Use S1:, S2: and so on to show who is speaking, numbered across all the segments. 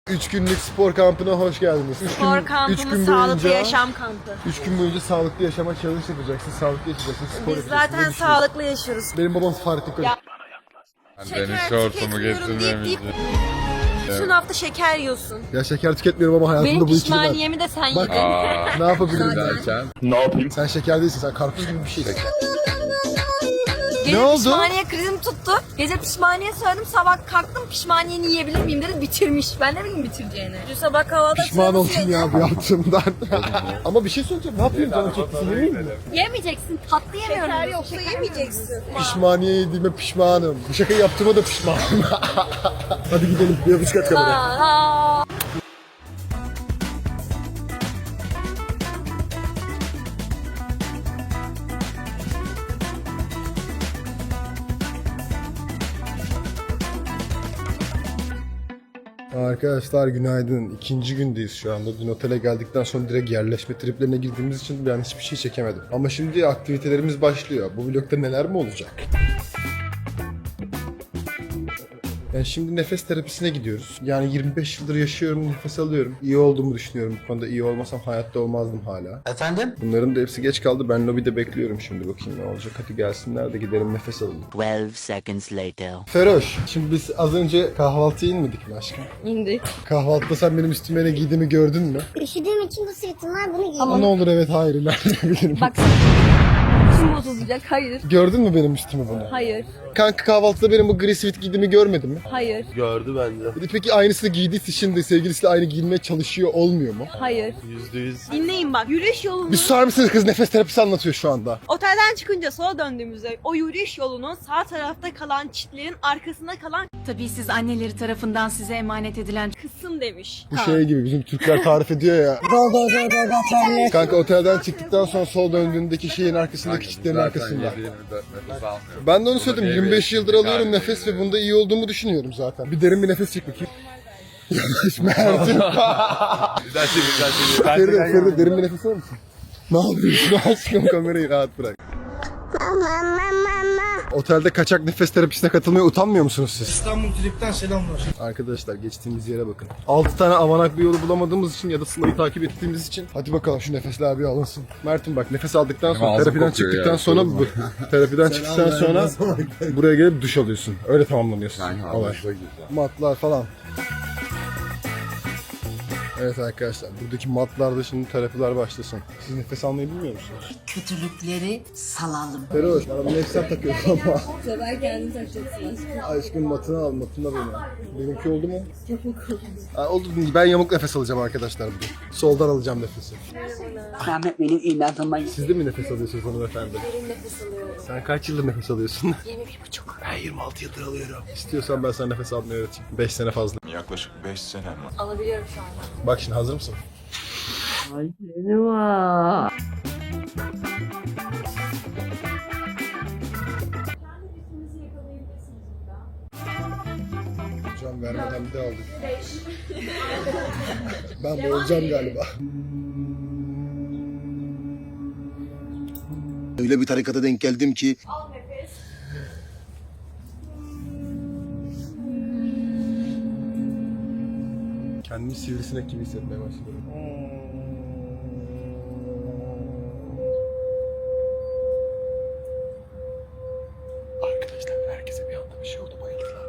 S1: 3 günlük spor kampına hoş geldiniz.
S2: Spor kampımız sağlıklı yaşam kampı.
S1: 3 gün boyunca sağlıklı yaşama challenge yapacaksın, sağlıklı yaşayacaksın, spor
S2: Biz zaten sağlıklı yaşıyoruz.
S1: Benim babam Fahrettin Koç.
S3: Deniz şortumu getirmemiştim.
S2: Bütün hafta şeker yiyorsun.
S1: Ya şeker tüketmiyorum ama hayatımda
S2: Benim
S1: bu ikili var.
S2: pişmaniyemi de sen
S1: Bak
S2: yedin.
S1: ne yapabilirim
S3: Derken
S4: Ne yapayım?
S1: Sen şeker değilsin, sen karpuz gibi bir şeysin.
S2: Gece
S1: Ne oldu?
S2: pişmaniye krizim tuttu. Gece pişmaniye söyledim, sabah kalktım pişmaniyeni yiyebilir miyim dedi, bitirmiş. Ben ne bileyim bitireceğini. Dün sabah kahvaltıda
S1: Pişman oldum ya bu yaptığımdan. Ama bir şey söyleyeceğim, ne yapayım canım çektisi yemeyeyim mi?
S2: Yemeyeceksin, tatlı yemiyorum. Şeker yoksa yemeyeceksin.
S1: Pişmaniye yediğime pişmanım. Bu şakayı yaptığıma da pişmanım. Hadi gidelim, bir yapış kat kameraya.
S2: Aa.
S1: Arkadaşlar günaydın. İkinci gündeyiz şu anda. Dün otele geldikten sonra direkt yerleşme triplerine girdiğimiz için ben hiçbir şey çekemedim. Ama şimdi aktivitelerimiz başlıyor. Bu vlogda neler mi olacak? Yani şimdi nefes terapisine gidiyoruz. Yani 25 yıldır yaşıyorum, nefes alıyorum. İyi olduğumu düşünüyorum. Bu konuda iyi olmasam hayatta olmazdım hala.
S4: Efendim?
S1: Bunların da hepsi geç kaldı. Ben lobide bekliyorum şimdi. Bakayım ne olacak. Hadi gelsinler de gidelim nefes alalım.
S5: 12 seconds later.
S1: Feroş, şimdi biz az önce kahvaltıya inmedik mi aşkım?
S2: İndik.
S1: Kahvaltıda sen benim üstüme ne giydiğimi gördün mü?
S6: Üşüdüğüm için bu sırtım var, bunu giyiyorum.
S1: Ama ne olur evet hayır ilerleyebilirim.
S2: Bak kim bozulacak? Hayır.
S1: Gördün mü benim üstümü bunu?
S2: Hayır.
S1: Kanka kahvaltıda benim bu gri sweat giydiğimi görmedin mi?
S2: Hayır.
S4: Gördü bence.
S1: Peki aynısını giydiyse şimdi sevgilisiyle aynı giyinmeye çalışıyor olmuyor mu?
S2: Hayır.
S4: %100.
S7: Dinleyin bak, yürüyüş yolunu
S1: Bir susar mısınız, kız nefes terapisi anlatıyor şu anda.
S7: otelden çıkınca sola döndüğümüzde o yürüyüş yolunun sağ tarafta kalan çitlerin arkasında kalan
S8: Tabii siz anneleri tarafından size emanet edilen
S7: kısım demiş.
S1: Bu şey gibi bizim Türkler tarif ediyor ya. Kanka otelden çıktıktan sonra sol döndüğündeki şeyin arkasındaki çitlerin arkasında.
S3: nefes almıyorum.
S1: Ben de onu söyledim, 25 yıldır alıyorum nefes ve bunda iyi olduğumu düşünüyorum zaten. Bir derin bir nefes çek bakayım. Yavaş Mert'im.
S3: Güzel şey.
S1: Feride derin bir nefes alır mısın? Ne yapıyorsun aşkım, kamerayı rahat bırak. Otelde kaçak nefes terapisine katılmaya utanmıyor musunuz siz?
S4: İstanbul Trip'ten selamlar.
S1: Arkadaşlar geçtiğimiz yere bakın. 6 tane avanak bir yolu bulamadığımız için ya da Sıla'yı takip ettiğimiz için. Hadi bakalım şu nefesler bir alınsın. Mert'im bak nefes aldıktan sonra
S3: ağzım
S1: terapiden
S3: kokuyor
S1: çıktıktan
S3: ya,
S1: sonra
S3: sorma.
S1: terapiden çıktıktan sonra buraya gelip duş alıyorsun. Öyle tamamlanıyorsun.
S3: Yani
S1: olay.
S3: havuzda güzel.
S1: Matlar falan. Evet arkadaşlar buradaki matlarda şimdi terapiler başlasın. Siz nefes almayı bilmiyor musunuz?
S5: Kötülükleri salalım.
S1: Feroş bana bunu hep sen takıyorsun ama.
S2: Sefer kendini takacaksın aşkım.
S1: Aşkım matını al, matına beni. Benimki oldu mu? Yamuk oldu. Oldu. Ben yamuk nefes alacağım arkadaşlar bugün. Soldan alacağım nefesi.
S5: Ahmet benim inatıma
S1: Siz de mi nefes alıyorsunuz hanımefendi?
S2: Derin nefes alıyorum.
S1: Sen kaç yıldır nefes alıyorsun?
S2: 21,5.
S1: Ben 26 yıldır alıyorum. İstiyorsan ben sana nefes almayı öğreteyim. 5 sene fazla.
S3: Yaklaşık 5 sene mi?
S2: Alabiliyorum şu anda.
S1: Bak şimdi hazır mısın? Hocam vermeden bir de aldım. Ben boğulacağım galiba. Öyle bir tarikata denk geldim ki. Kendimi sivrisinek gibi hissetmeye başladım. Arkadaşlar herkese bir anda bir şey oldu, bayıldılar.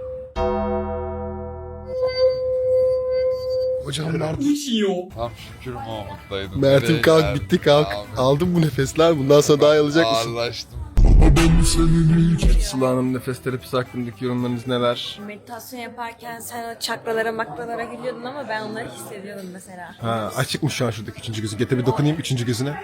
S1: Hocam Mert.
S3: Tam şükür Mahmut'taydım.
S1: Mert'im
S3: Nereye
S1: kalk
S3: geldim?
S1: bitti kalk.
S3: Abi,
S1: Aldım bu nefesler, bundan sonra daha iyi alacak mısın?
S3: ağırlaştım.
S1: Sıla Hanım nefes terapisi hakkındaki yorumlarınız neler?
S2: Meditasyon yaparken sen o çakralara makralara gülüyordun ama ben onları hissediyordum mesela.
S1: Ha, açık mı şu an şuradaki üçüncü gözü? Getir bir dokunayım üçüncü gözüne.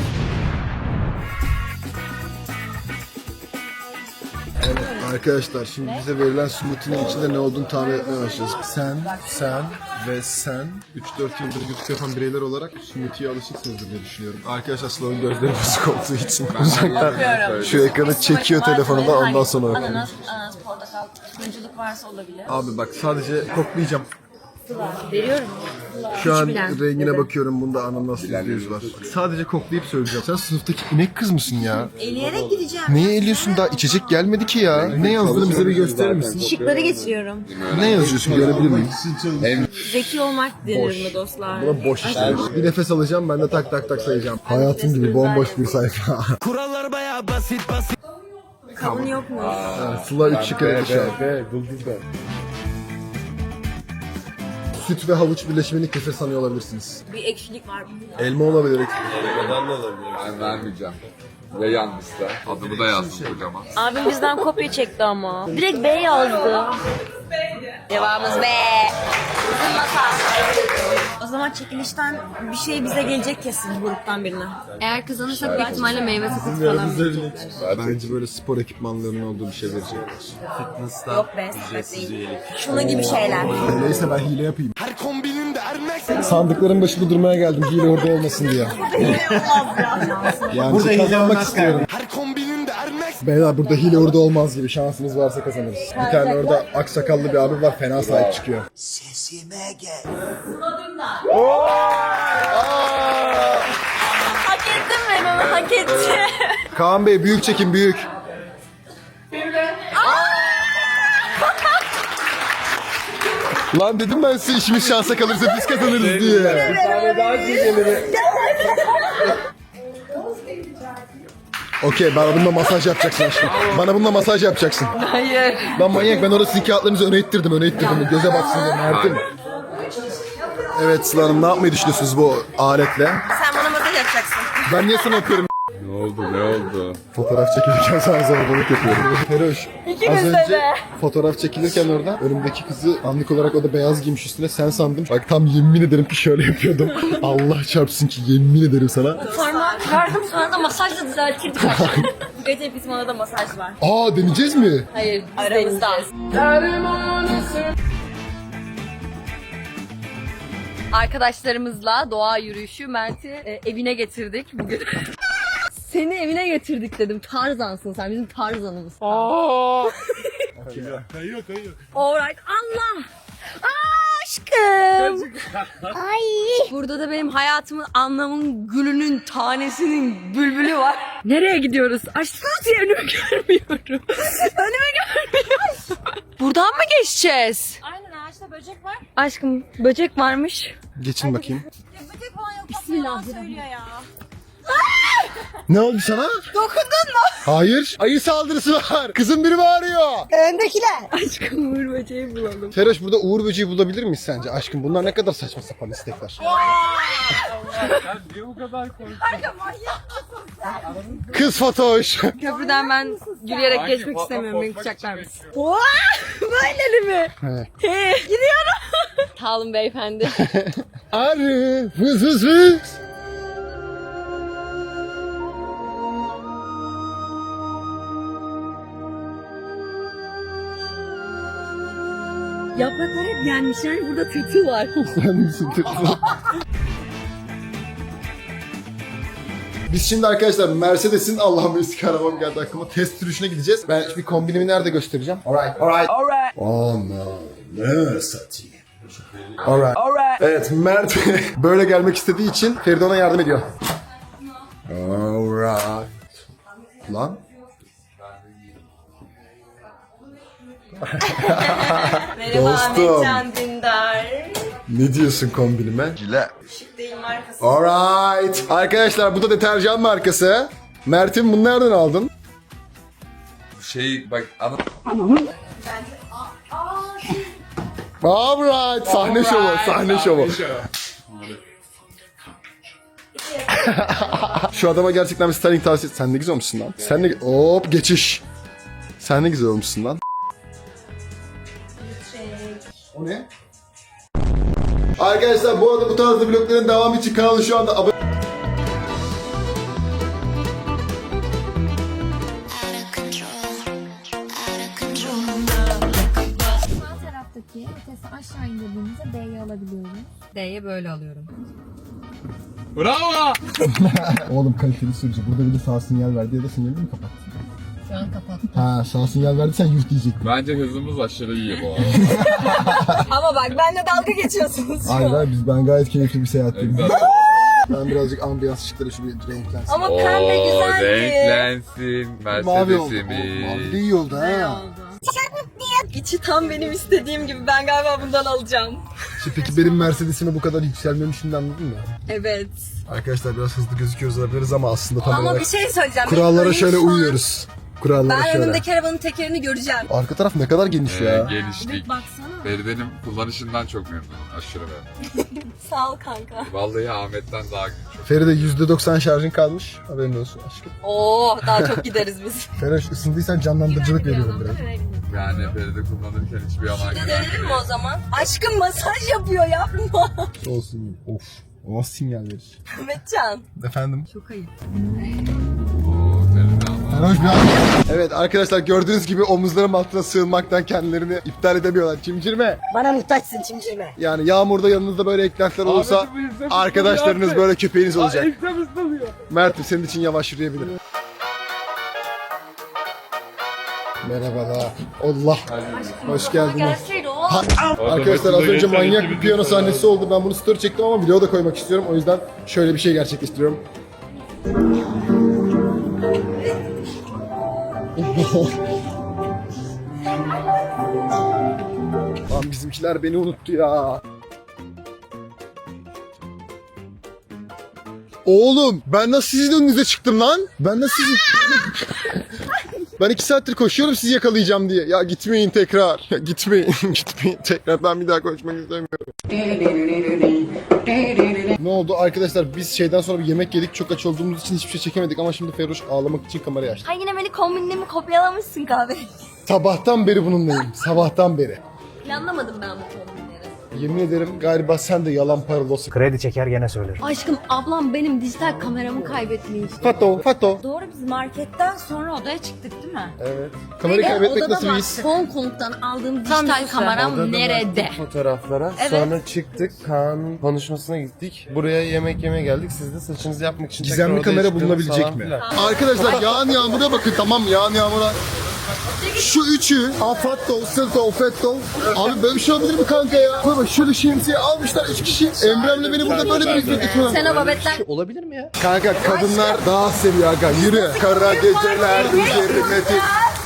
S1: Evet arkadaşlar şimdi bize verilen smoothie'nin içinde ne olduğunu tahmin etmeye başlayacağız. Sen ve sen 3-4 yıldır YouTube yapan bireyler olarak smoothie'ye alışıksınızdır diye düşünüyorum. Arkadaşlar Sıla'nın gözleri bozuk olduğu için uzaktan şu ekranı çekiyor telefonunda ondan sonra bakıyor.
S2: Ananas, portakal, turunculuk varsa olabilir.
S1: Abi bak sadece koklayacağım.
S2: Veriyorum.
S1: Şu an
S2: bilen
S1: rengine
S2: dedi.
S1: bakıyorum. Bunda ananas %100 var. Sadece koklayıp söyleyeceğim. Sen sınıftaki inek kız mısın ya?
S2: Eleyerek gideceğim.
S1: Neyi eliyorsun daha? İçecek gelmedi ki ya. Ne yazdığını bize bir gösterir misin?
S2: Şıkları geçiyorum.
S1: Ne yazıyorsun görebilir miyim?
S2: Zeki olmak denir mi dostlar?
S1: Buna boş işte. Bir nefes alacağım ben de tak tak tak sayacağım. Hayatım gibi bomboş bir sayfa.
S2: Kavun yok mu?
S1: Sıla 3 şık eledi şu an. Süt ve havuç birleşimini kefir sanıyor olabilirsiniz.
S2: Bir ekşilik var.
S1: Elma olabilir.
S3: Ben vermeyeceğim. Ve yanlışsa. Adımı da yazdım kocaman.
S2: Abim bizden kopya çekti ama. Direkt B yazdı. Devamımız B. Bizim masa. O zaman çekilişten bir şey bize gelecek kesin gruptan birine. Eğer kazanırsak büyük ihtimalle meyve sakızı falan.
S1: Bence böyle spor ekipmanlarının olduğu bir şey verecekler.
S2: Yok be, sepet değil. Şunun gibi şeyler.
S1: Neyse ben hile yapayım. Sandıkların başında durmaya geldim hile orada olmasın diye. Yani burada kazanmak istiyorum. Beyler burada hile orada olmaz gibi şansımız varsa kazanırız. Bir tane orada aksakallı bir abi var fena sahip çıkıyor.
S2: Hak ettim ben onu, hak etti.
S1: Kaan Bey büyük çekin büyük. Lan dedim ben size işimiz şansa kalırsa biz kazanırız diye. Okey bana bununla masaj yapacaksın aşkım. Bana bununla masaj yapacaksın.
S2: Hayır.
S1: Lan manyak ben orada sizin kağıtlarınızı öne ittirdim. Göze baksın diye Mert'im. Evet Sıla Hanım ne yapmayı düşünüyorsunuz bu aletle?
S2: Sen bana masaj yapacaksın.
S1: Ben niye sana yapıyorum?
S3: Ne oldu?
S1: Fotoğraf çekilirken sana zorbalık yapıyorum. Feroş. Az önce fotoğraf çekilirken orada önümdeki kızı anlık olarak o da beyaz giymiş üstüne sen sandım. Bak tam yemin ederim ki şöyle yapıyordum. Allah çarpsın ki yemin ederim sana.
S2: Sonra verdim sonra da masajla düzeltirdik. Gece bizim orada masaj var.
S1: Aa deneyeceğiz mi?
S2: Hayır aramızda. Arkadaşlarımızla doğa yürüyüşü Mert'i evine getirdik bugün. Seni evine getirdik dedim. Tarzansın sen bizim Tarzanımız.
S4: Kayıyor.
S2: Alright Allah. Aşkım.
S6: Ay.
S2: Burada da benim hayatımın anlamın gülünün tanesinin bülbülü var. Nereye gidiyoruz? Aşkım diye önümü görmüyorum. Önümü görmüyorum. Buradan mı geçeceğiz?
S7: Aynen ağaçta böcek var.
S2: Aşkım böcek varmış.
S1: Geçin bakayım.
S7: Böcek falan yok.
S2: Bismillahirrahmanirrahim.
S7: Söylüyor ya.
S1: Ne oldu sana?
S2: Dokundun mu?
S1: Hayır. Ayı saldırısı var. Kızın biri bağırıyor.
S2: Aşkım uğur böceği bulalım.
S1: Feroş burada Uğur böceği bulabilir miyiz sence? Aşkım bunlar ne kadar saçma sapan istekler. Kız Fatoş.
S2: Köprüden ben yürüyerek geçmek istemiyorum. Beni tutacaklar mısın? Böyle mi?
S1: Evet.
S2: Gidiyorum. Sağ olun beyefendi.
S1: Arı. Vız vız vız.
S2: Yapraklar hep yenmişler. Burada tırtıl var.
S1: Sen misin tırtıl? Biz şimdi arkadaşlar Mercedes'in Allah'ım eski arabam geldi aklıma test sürüşüne gideceğiz. Ben bir kombinimi nerede göstereceğim? Alright. Oh no. Ne satayım? Alright. Evet Mert böyle gelmek istediği için Feride ona yardım ediyor. Alright. Lan.
S2: Merhaba
S1: Dostum.
S2: Ahmetcan Dündar.
S1: Ne diyorsun kombinime? Gile.
S2: Şık değil markası.
S1: Alright. Arkadaşlar bu da deterjan markası. Mert'im bunu nereden aldın?
S3: Bak
S1: Alright. Sahne şovu. Şu adama gerçekten bir styling tavsiye. Sen ne güzel olmuşsun lan. Sen ne... Hop geçiş. Sen ne güzel olmuşsun lan. O ne? Arkadaşlar bu arada bu tarzda vlogların devamı için kanalı şu anda abone...
S6: Sağ taraftaki vitesi aşağı indirdiğimizde D'yi alabiliyoruz.
S2: D'ye böyle alıyorum.
S1: Oğlum kaliteli sürücü. Burada bir de sağ sinyal verdi ya da sinyalini mi kapattın?
S6: Şu an kapattı.
S1: Ha sağ sinyal verdiysen yuh diyecek.
S3: Bence hızımız aşırı iyi bu arada.
S2: Ama bak benimle dalga geçiyorsunuz.
S1: Hayır ben gayet keyifli bir seyahatteyim.
S3: Güzel.
S1: Ben birazcık ambiyans ışıkları şu bir renklensin.
S2: Ama pembe güzeldi.
S3: Renklensin
S1: Mavi oldu.
S3: Mercedes'imiz.
S1: Mavi de iyi oldu ha.
S2: İçi tam benim istediğim gibi. Ben galiba bundan alacağım.
S1: Peki benim Mercedes'ime bu kadar yükselmemi şimdi anladın mı?
S2: Evet.
S1: Arkadaşlar biraz hızlı gözüküyoruz olabiliriz ama aslında tam
S2: Ama
S1: olarak
S2: bir şey söyleyeceğim.
S1: kurallara
S2: Benim
S1: şöyle
S2: şu an-
S1: uyuyoruz. Kurallara
S2: Ben
S1: şöyle.
S2: önümdeki arabanın tekerini göreceğim.
S1: Arka taraf ne kadar geniş ya.
S3: Geliştik.
S2: Baksana.
S3: Feride'nin kullanışından çok memnunum. Aşırı beğendim.
S2: Sağ ol kanka.
S3: Vallahi Ahmet'ten daha güçlü.
S1: Feride %90 şarjın kalmış. Haberin olsun aşkım.
S2: Oo daha çok gideriz biz.
S1: Feride ısındıysan canlandırıcılık veriyorum biraz.
S3: Yani Feride kullanırken hiçbir yalan
S2: Dönelim mi o zaman? Aşkım masaj yapıyor yapma.
S1: Olsun. Of. O nasıl sinyal verir?
S2: Mehmetcan.
S1: Efendim?
S2: Çok ayıp.
S3: Oo Feride ama.
S1: Sarhoş bir an. Evet arkadaşlar gördüğünüz gibi omuzlarım altına sığınmaktan kendilerini iptal edemiyorlar. Çimcirme.
S2: Bana muhtaçsın çimşirme.
S1: Yani yağmurda yanınızda böyle eklentiler olursa arkadaşlarınız böyle köpeğiniz olacak. Mert'im senin için yavaş yürüyebilirim. Merhabalar. Allah. Hoş geldiniz.
S2: Gelseydi o.
S1: Arkadaşlar az önce manyak bir piyano sahnesi oldu. Ben bunu story çektim ama video da koymak istiyorum. O yüzden şöyle bir şey gerçekleştiriyorum. Lan bizimkiler beni unuttu ya. Oğlum ben nasıl sizin önünüze çıktım lan? Ben nasıl sizin... Ben 2 saattir koşuyorum sizi yakalayacağım diye. Ya gitmeyin tekrar. Ya gitmeyin. Gitmeyin tekrar. Ben bir daha koşmak istemiyorum. Ne oldu arkadaşlar biz şeyden sonra bir yemek yedik. Çok aç olduğumuz için hiçbir şey çekemedik ama şimdi Ferruş ağlamak için kamerayı açtı.
S2: Ha yine beni kombinimi kopyalamışsın kahve.
S1: Sabahtan beri bununlayım. Sabahtan beri.
S2: Planlamadım ben bu kombinleri.
S1: Yemin ederim galiba sen de yalan paralosu.
S4: Kredi çeker gene söylerim.
S6: Aşkım ablam benim dijital kameramı kaybetmiş.
S1: Fato.
S2: Doğru biz marketten sonra odaya çıktık değil mi?
S1: Evet. Kamerayı kaybetmek nasıl bir his?
S2: Hong Kong'dan aldığım
S6: Tam
S2: dijital
S6: bir
S2: kameram nerede?
S9: Fotoğraflara.
S2: Evet.
S9: Sonra çıktık. Kaan'ın konuşmasına gittik. Buraya yemek yemeye geldik. Siz de saçınızı yapmak için
S1: Gizemli
S9: tekrar odaya
S1: kamera
S9: çıktınız
S1: bulunabilecek
S9: falan
S1: mi?
S9: filan.
S1: Arkadaşlar yağan yağmura bakın tamam yağan yağmura. Şu üçü Afatto, Sırto, Fetto. Abi böyle bir şey olabilir mi kanka ya? Bak şöyle şemsiye almışlar 3 kişi. Emrem'le beni burada böyle bir hizmet getiriyorlar.
S2: Sen o babetten
S9: Olabilir mi ya?
S1: Kanka kadınlar daha seviyor aga yürü. Kara geceler üzerine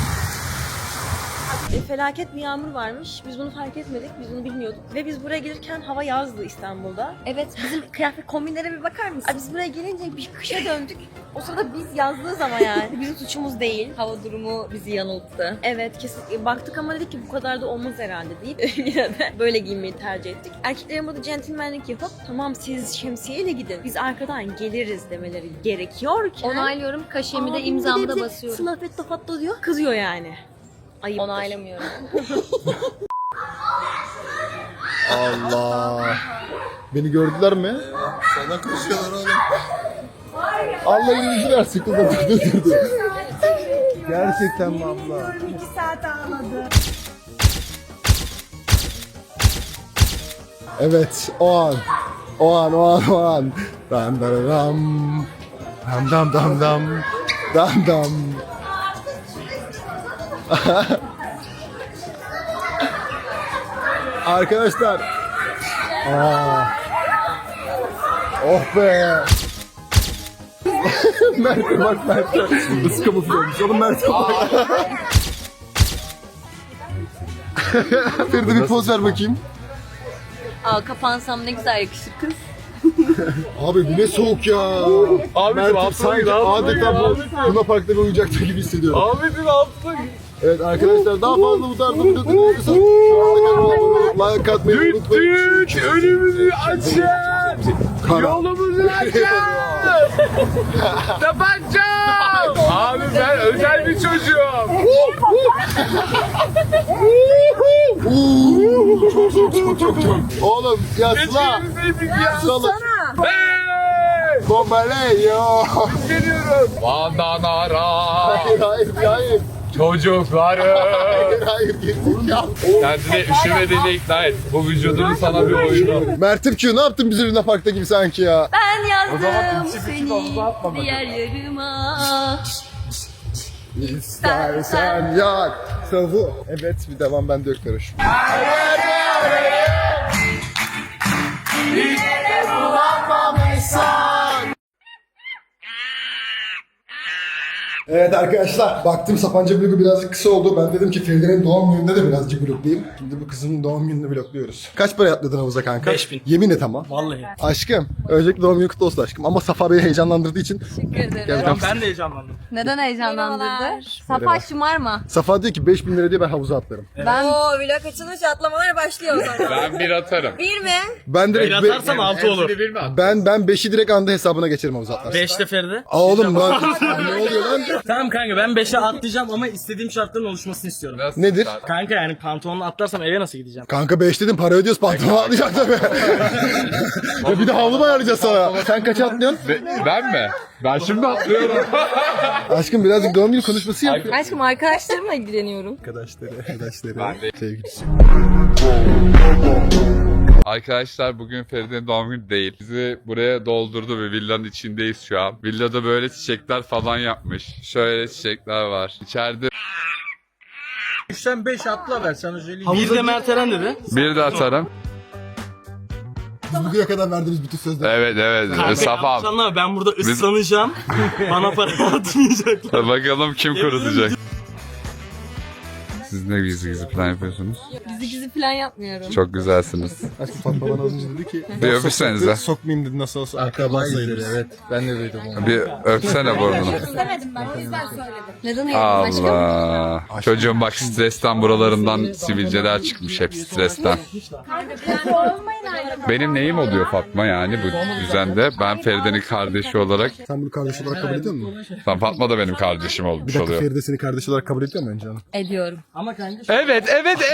S7: Felaket bir yağmur varmış. Biz bunu fark etmedik. Biz bunu bilmiyorduk. Ve biz buraya gelirken hava yazdı İstanbul'da. Evet bizim kıyafet kombinlere bir bakar mısın? Biz buraya gelince bir kışa döndük. O sırada biz yazdığız ama yani. Bizim suçumuz değil.
S2: hava durumu bizi yanılttı.
S7: Evet kesin. Baktık ama dedik ki bu kadar da olmaz herhalde deyip yine de böyle giyinmeyi tercih ettik. Erkeklerin burada centilmenlik yapıp tamam siz şemsiyeyle gidin. Biz arkadan geliriz demeleri gerekiyorken.
S6: Onaylıyorum. Kaşemi de
S7: Aa,
S6: imzamı
S7: bir de
S6: da
S7: bize
S6: basıyorum.
S7: Slafetto fatto diyor. Kızıyor yani. Ayıp.
S2: Onaylamıyorum.
S1: Allah. Beni gördüler mi? Sana koşuyorlar oğlum. Allah iyiliğinizi versin kızım. Dur. Gerçekten mi abla?
S2: 2 saat ağladı.
S1: Evet o an. Dam dam dam. Dam dam dam. Dam dam. Arkadaşlar. Oh be. Mert'e bak Mert'e. Nasıl kamufle olmuş oğlum Mert'e bak. Feride bir poz ver bakayım.
S2: Aa kapansam ne güzel yakışır kız.
S1: Abi bu ne soğuk ya. Mert'im sanki adeta bu Luna Park'ta bir oyuncakta gibi hissediyorum.
S3: Ahmet'in altına
S1: Evet arkadaşlar daha fazla bu tarzda video dinliyorsanız şu anda kanalıma like atmayı unutmayın.
S3: önümüzü açın. Yolumuzu açın. Tabanca. Abi ben özel bir çocuğum.
S1: Çok. Oğlum ya Sıla. Sıla. Bombaleyo.
S3: Geliyorum. Bandanara.
S1: Hayır.
S3: Çocukları.
S1: Hayır gerizekalı.
S3: Kendine üşümediğini ikna et. Bu vücudun sana bir oyunu.
S1: Mert'im Q ne yaptın bizi Luna Park'ta gibi sanki ya.
S2: Ben yazdım
S3: zaman
S2: seni diğer yarıma.
S1: İstersen yak. Savu. Evet bir devam bende yok Feroş. Evet arkadaşlar, baktım Sapanca vlogu birazcık kısa oldu. Ben dedim ki Feride'nin doğum gününde de birazcık vloglayayım. Şimdi bu kızın doğum gününü vlogluyoruz. Kaç para atladın havuza kanka?
S4: 5000.
S1: Yemin et ama.
S4: Vallahi.
S1: Aşkım, öncelikle doğum günü kutlu olsun aşkım. Ama Safa beni heyecanlandırdığı için...
S4: Ben de heyecanlandım.
S2: Neden heyecanlandırdı? Safa şımarma.
S1: Safa diyor ki 5000 lira diye ben havuza atlarım.
S2: Ben... Oo vlog açılmış atlamalar başlıyor o zaman.
S3: Ben bir atarım.
S2: Bir mi?
S1: Ben direkt...
S4: Bir atarsan 6 olur.
S1: Ben 5'i direkt anda hesabına geçerim havuza atlarsın.
S4: 5'te Feride.
S1: Aa oğlum lan ne oluyor lan?
S4: Tamam kanka ben 5'e atlayacağım ama istediğim şartların oluşmasını istiyorum.
S1: Nedir?
S4: Kanka yani pantolonla atlarsam eve nasıl gideceğim?
S1: Kanka 5 dedim para ödüyoruz pantolon atlayacak tabii. Ya bir de havlu mu ayarlayacağız sana? Sen kaça atlıyorsun?
S3: Ben mi? Ben şimdi atlıyorum.
S1: Aşkım birazcık doğum günü konuşması yap.
S2: Aşkım arkadaşlarımla ilgileniyorum.
S1: Arkadaşları, sevgilisi.
S3: Arkadaşlar bugün Feride'nin doğum günü değil. Bizi buraya doldurdu ve villanın içindeyiz şu an. Villada böyle çiçekler falan yapmış. Şöyle çiçekler var. İçeride
S4: 3'ten 5 atla ver sana söyleyeyim. Bir de Mert Eren dedi.
S3: bir de atarım.
S1: Biz bugüne kadar verdiğimiz bütün sözler.
S3: Evet. Safam.
S4: Anlama ben burada ıslanacağım. Bana para atmayacaklar.
S3: Bakalım kim kurutacak. Siz ne gizli plan yapıyorsunuz?
S2: Gizli falan yapmıyorum.
S3: Çok güzelsiniz.
S1: Aşkım Fatma bana az önce dedi ki...
S3: Bir öpüşsenize.
S1: Sokmayayım dedi nasıl olsa akraba sayılırız. Evet ben de duydum onu.
S3: Bir öpsene burnunu.
S6: İstemedim ben o yüzden söyledim.
S2: Neden hayatım aşkım?
S3: Allah. Çocuğum bak stresten buralarından sivilceler çıkmış hep stresten. Benim neyim oluyor Fatma yani bu düzende? Ben Feride'nin kardeşi olarak.
S1: Sen bunu kardeş olarak kabul ediyor musun?
S3: Fatma da benim kardeşim
S1: Bir
S3: olmuş
S1: dakika
S3: oluyor.
S1: Feride seni kardeş olarak kabul ediyor mu önce hanım?
S2: Ediyorum.
S4: Ama kanka
S3: Evet.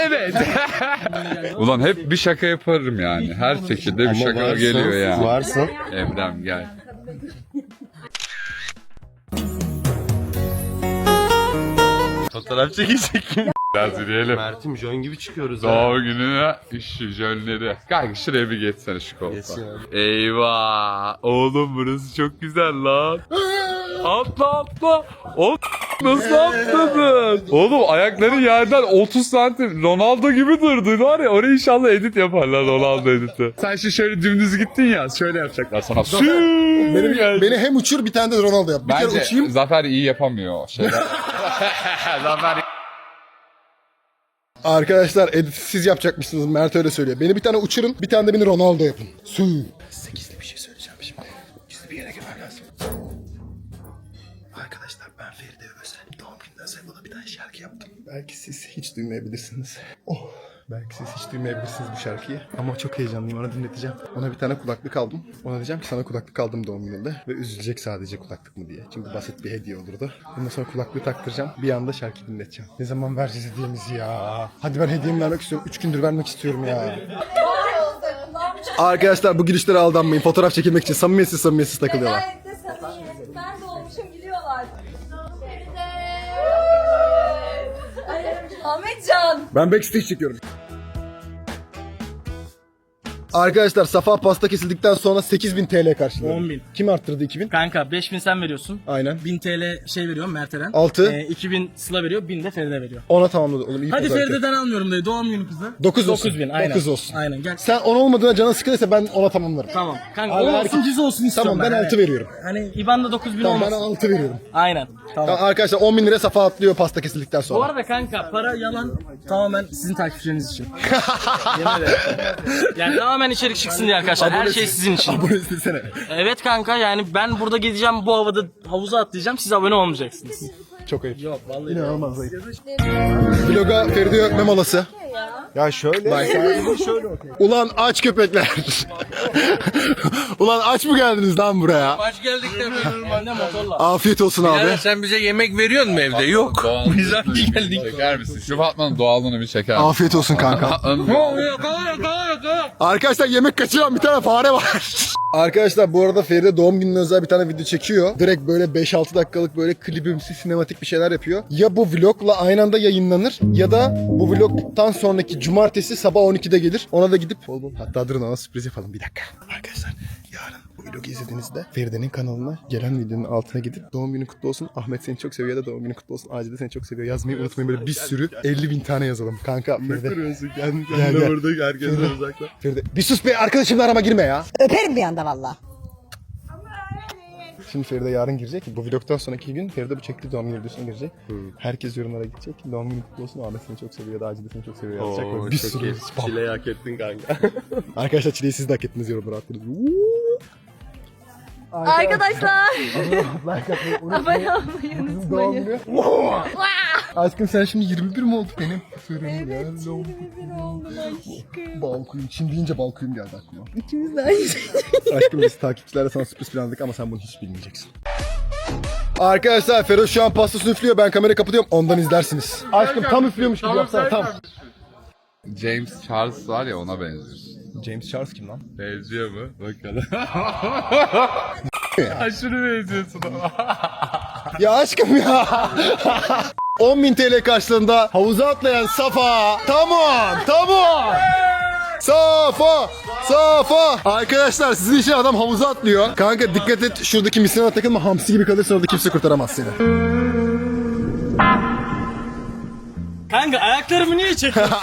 S3: Ulan hep bir şaka yaparım yani. Her şekilde bir şaka geliyor yani.
S9: Varsın.
S3: Evren gel.
S9: Fotoğraf çekecek mi?
S3: Biraz yürüyelim.
S9: Mert'im jön gibi çıkıyoruz ha.
S3: Doğum gününe işi jönleri. Kanka şuraya bir geçsene şu koltuğa.
S9: Geçsin abi.
S3: Eyvah. Oğlum burası çok güzel lan. Atla. O nasıl atladın? Oğlum ayakların yerden 30 santim Ronaldo gibi durdu var ya. Oraya inşallah edit yaparlar Ronaldo editi. Sen şimdi şöyle dümdüz gittin ya. Şöyle yapacaklar sana.
S1: Beni hem uçur bir tane de Ronaldo yap. Bir kere
S3: Bence
S1: uçayım.
S3: Zafer iyi yapamıyor o şeyler. Zafer
S1: Arkadaşlar edit siz yapacakmışsınız. Mert öyle söylüyor. Beni bir tane uçurun, bir tane de beni Ronaldo yapın. Size gizli bir şey söyleyeceğim şimdi. Gizli bir yere girmem lazım. Arkadaşlar ben Feride özel. Doğum gününe özel bana bir tane şarkı yaptım. Belki siz hiç duymayabilirsiniz. Belki siz hiç duymayabilirsiniz bu şarkıyı. Ama çok heyecanlıyım, ona dinleteceğim. Ona bir tane kulaklık aldım. Ona diyeceğim ki sana kulaklık aldım doğum gününde. Ve üzülecek sadece kulaklık mı diye. Çünkü basit bir hediye olurdu. Ondan sonra kulaklığı taktıracağım. Bir anda şarkı dinleteceğim. Ne zaman vereceğiz hediyemizi ya? Hadi ben hediyemi vermek istiyorum. 3 gündür vermek istiyorum ya. Arkadaşlar bu girişlere aldanmayın. Fotoğraf çekilmek için samimiyetsiz takılıyorlar.
S6: Ben de olmuşum gidiyorlar.
S2: Ahmetcan.
S1: Ben backstage çekiyorum. Arkadaşlar Safa pasta kesildikten sonra 8.000 TL karşıladı.
S4: 10.000.
S1: Kim arttırdı 2.000?
S4: Kanka 5000 sen veriyorsun.
S1: Aynen.
S4: 1000 TL şey veriyorum Mert Eren.
S1: 6.
S4: 2000 Sıla veriyor, 1000 de Feride veriyor.
S1: Ona tamamladı oğlum. İyi
S4: Hadi
S1: pazar
S4: Feride'den almıyorum dedi. Doğum günü kızı.
S1: 9 olsun.
S4: 9000 aynen.
S1: 9 olsun.
S4: Aynen gel.
S1: Sen 10 olmadığına canın sıkılırsa ben ona tamamlarım.
S4: Tamam. Kanka
S1: Abi,
S4: 10 olsun
S1: herkes-
S4: 100 olsun istiyorum
S1: Tamam ben 6 veriyorum.
S4: Hani IBAN'da 9000
S1: Tamam ben
S4: olmasın.
S1: 6 veriyorum.
S4: Aynen. Tamam.
S1: Tamam, arkadaşlar 10.000 lira Safa atlıyor pasta kesildikten
S4: Bu
S1: sonra.
S4: arada kanka para yalan tamamen sizin takipçileriniz için. Yemin ederim. Yani tamamen içerik çıksın diye arkadaşlar. Her şey sizin için.
S1: Abone istesene.
S4: Evet kanka yani ben burada gideceğim bu havada havuza atlayacağım. Siz abone olmayacaksınız.
S1: Çok ayıp.
S4: Yok vallahi.
S1: İnanılmaz ayıp. Vloga Feride öpme molası.
S9: Ya şöyle. Şöyle bakayım.
S1: Ulan aç köpekler. Ulan aç mı geldiniz lan buraya?
S10: Aç geldik de
S4: Ben de motorla.
S1: Afiyet olsun abi.
S10: yani sen bize yemek veriyor musun evde? Yok. Biz aç geldik.
S3: çeker misin? Şu Fatma'nın doğallığını bir çeker misin?
S1: Afiyet olsun kanka. Arkadaşlar yemek kaçıran bir tane fare var. Arkadaşlar bu arada Feride doğum gününe özel bir tane video çekiyor. Direkt böyle 5-6 dakikalık böyle klibimsi sinematik bir şeyler yapıyor. Ya bu vlogla aynı anda yayınlanır ya da bu vlogtan sonraki cumartesi sabah 12'de gelir. Ona da gidip hatta durun ona sürpriz yapalım bir dakika. Arkadaşlar yarın bu vlogu izlediğinizde Feride'nin kanalına gelen videonun altına gidip doğum günün kutlu olsun, Ahmet seni çok seviyor ya da doğum günün kutlu olsun, Acil de seni çok seviyor yazmayı unutmayın. Böyle bir sürü 50.000 tane yazalım. Kanka Feride. Ne kırıyorsun? Kendine burada herkesten uzakla. Feride bir sus be, arkadaşımla arama girme ya.
S5: Öperim bir anda valla.
S1: Şimdi Feride yarın girecek. Bu vlogdan sonraki gün Feride bu çektiği doğum günü videosuna girecek. Herkes yorumlara gidecek. Doğum günü kutlu olsun, Ahmet seni çok seviyor ya da Acil de seni çok seviyor yazacak. Böyle bir sürü spam.
S9: Çileyi hak ettin kanka.
S1: Arkadaşlar çileyi siz de hak ettiniz, yorumlara attınız.
S7: Arkadaşlar.
S1: Like atmayı
S7: Abone olmayı unutmayın.
S1: Doğum günü. Aşkım sen şimdi 21 mi oldu benim? Fırın ya.
S7: 21 oldum aşkım.
S1: Balkuyum. Çin deyince balkuyum geldi aklıma.
S7: İkimiz de aynı şey.
S1: Aşkım biz takipçilerle sana sürpriz planladık ama sen bunu hiç bilmeyeceksin. Arkadaşlar Feroz şu an pastasını üflüyor. Ben kamerayı kapatıyorum. Ondan izlersiniz. Aşkım tam üflüyormuş gibi yapsana tam.
S3: James Charles var ya, ona benziyorsun.
S1: James Charles kim lan?
S3: Benziyor mu? Bakalım. Aşırı benziyorsun ama.
S1: Ya aşkım ya. 10.000 TL karşılığında havuza atlayan Safa. Tamam. Safa. Arkadaşlar sizin için adam havuza atlıyor. Kanka dikkat et, şuradaki misyona takılma, hamsi gibi kalırsa orada kimse kurtaramaz seni.
S4: Kanka ayaklarımı niye çekiyorsun?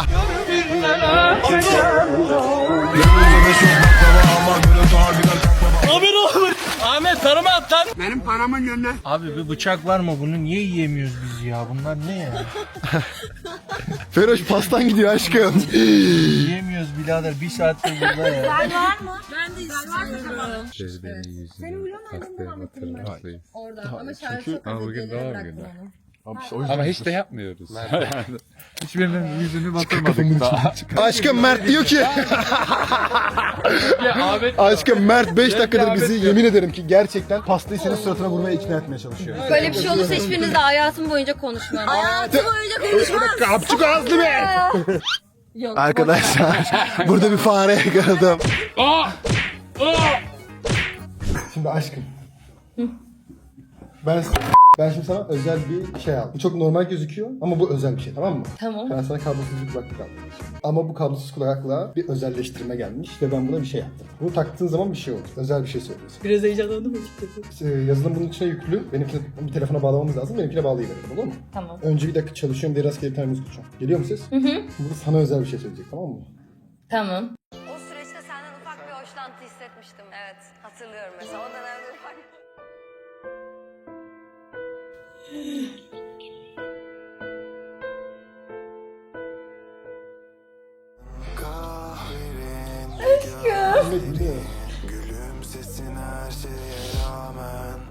S4: Haber olur. Ahmet tarıma at lan.
S10: Benim paramın yönüne.
S9: Abi bir bıçak var mı? Bunu niye yiyemiyoruz biz ya? Bunlar ne ya?
S1: Feroş pastan gidiyor aşkım.
S9: Yiyemiyoruz birader. Bir saattir burada ya.
S7: Var mı? Ben de istiyorum.
S3: Senin vlog nereden
S7: Orada ama şarkı
S3: Ama bugün doğum günü.
S1: Ama
S3: Ama hiç de yapmıyoruz. Hiçbirinin yüzünü batırmadık daha.
S1: Aşkım Mert diyor ki.
S3: Ahmet
S1: Aşkım Mert 5 dakikadır bizi yemin ederim ki gerçekten pastayı senin suratına vurmaya ikna etmeye çalışıyor.
S7: Böyle bir şey olursa hiçbiriniz de hayatım boyunca konuşmam. Hayatım boyunca konuşmam.
S1: Kapçuk ağızlı be.
S7: Yok.
S1: Arkadaşlar burada bir fare yakaladım. Şimdi aşkım. Ben şimdi sana özel bir şey aldım. Bu çok normal gözüküyor ama bu özel bir şey, tamam mı?
S7: Tamam.
S1: Ben sana kablosuz bir kulaklık aldım. Ama bu kablosuz kulaklığa bir özelleştirme gelmiş ve ben buna bir şey yaptım. Bunu taktığın zaman bir şey olur. Özel bir şey söylüyorsun.
S4: Biraz heyecanlandım açıkçası.
S1: Yazılım bunun içine yüklü. Benimkine bir telefona bağlamamız lazım. Benimkine bağlayıverelim, olur mu?
S7: Tamam.
S1: Önce bir dakika çalışıyorum diye rastgele bir tane müzik açıyorum. Geliyor mu ses? Hı. Bu sana özel bir şey söyleyecek, tamam mı?
S7: Tamam.
S11: O süreçte senden ufak bir hoşlantı hissetmiştim. Evet, hatırlıyorum mesela. O dönemde ufak...
S1: Gülümsesin her şeye rağmen.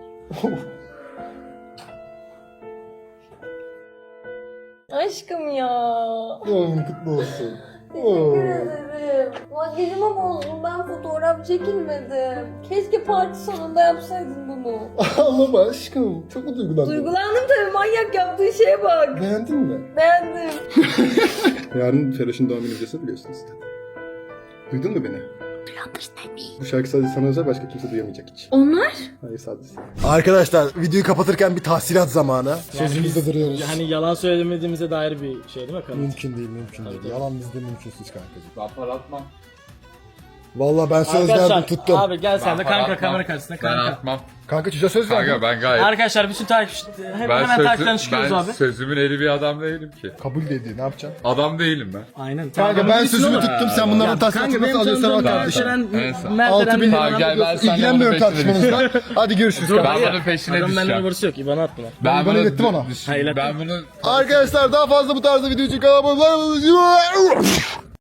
S7: Aşkım ya.
S1: Doğum kutlu olsun.
S7: Teşekkür ederim. Makyajımı bozdum. Ben fotoğraf çekilmedim. Keşke parti sonunda yapsaydın bunu.
S1: Ağlama aşkım. Çok mu duygulandın?
S7: Duygulandım tabii. Manyak yaptığı şeye bak.
S1: Beğendin mi?
S7: Beğendim.
S1: Yarın Feroş'un doğum günü videosunu biliyorsunuz. Duydun mu beni? Bu şarkı sadece sana özel, başka kimse duyamayacak hiç.
S7: Onlar?
S1: Hayır, sadece sen. Arkadaşlar videoyu kapatırken bir tahsilat zamanı. Sözümüzde duruyoruz.
S4: Yani yalan söylemediğimize dair bir şey değil mi kanka?
S1: Mümkün değil. Yalan bizde mümkünsüz kankacığım.
S3: Ben para atmam.
S1: Vallahi ben söz verdim, tuttum.
S4: Abi gel sen de
S3: Ben para
S4: kanka
S3: atmam.
S4: kamera karşısına
S3: Ben
S4: kanka.
S3: atmam.
S1: Kanka çocuğa söz verdim.
S3: Kanka ben gayet...
S4: Arkadaşlar bütün hemen takipten çıkıyoruz abi.
S3: Sözümün eri bir adam değilim ki.
S1: Kabul dedi, ne yapacaksın?
S3: Adam değilim ben.
S4: Aynen.
S1: Kanka ben sözümü tuttum, sen bunların tahsilatını nasıl alıyorsan al kardeşim. 6000
S3: Tamam, gel, ben senden
S1: İlgilenmiyorum
S3: bunun peşine
S1: tartışmanızla. Hadi görüşürüz
S3: Ben
S1: kanka.
S3: bunun peşine
S4: Adam benden
S3: düşeceğim.
S4: numarası yok. İbana at buna.
S1: Ben ilettim ona.
S4: Ha, ilettim.
S3: Ben bunu...
S1: Arkadaşlar daha fazla bu tarzda video için kanalıma abone olmayı unutmayın.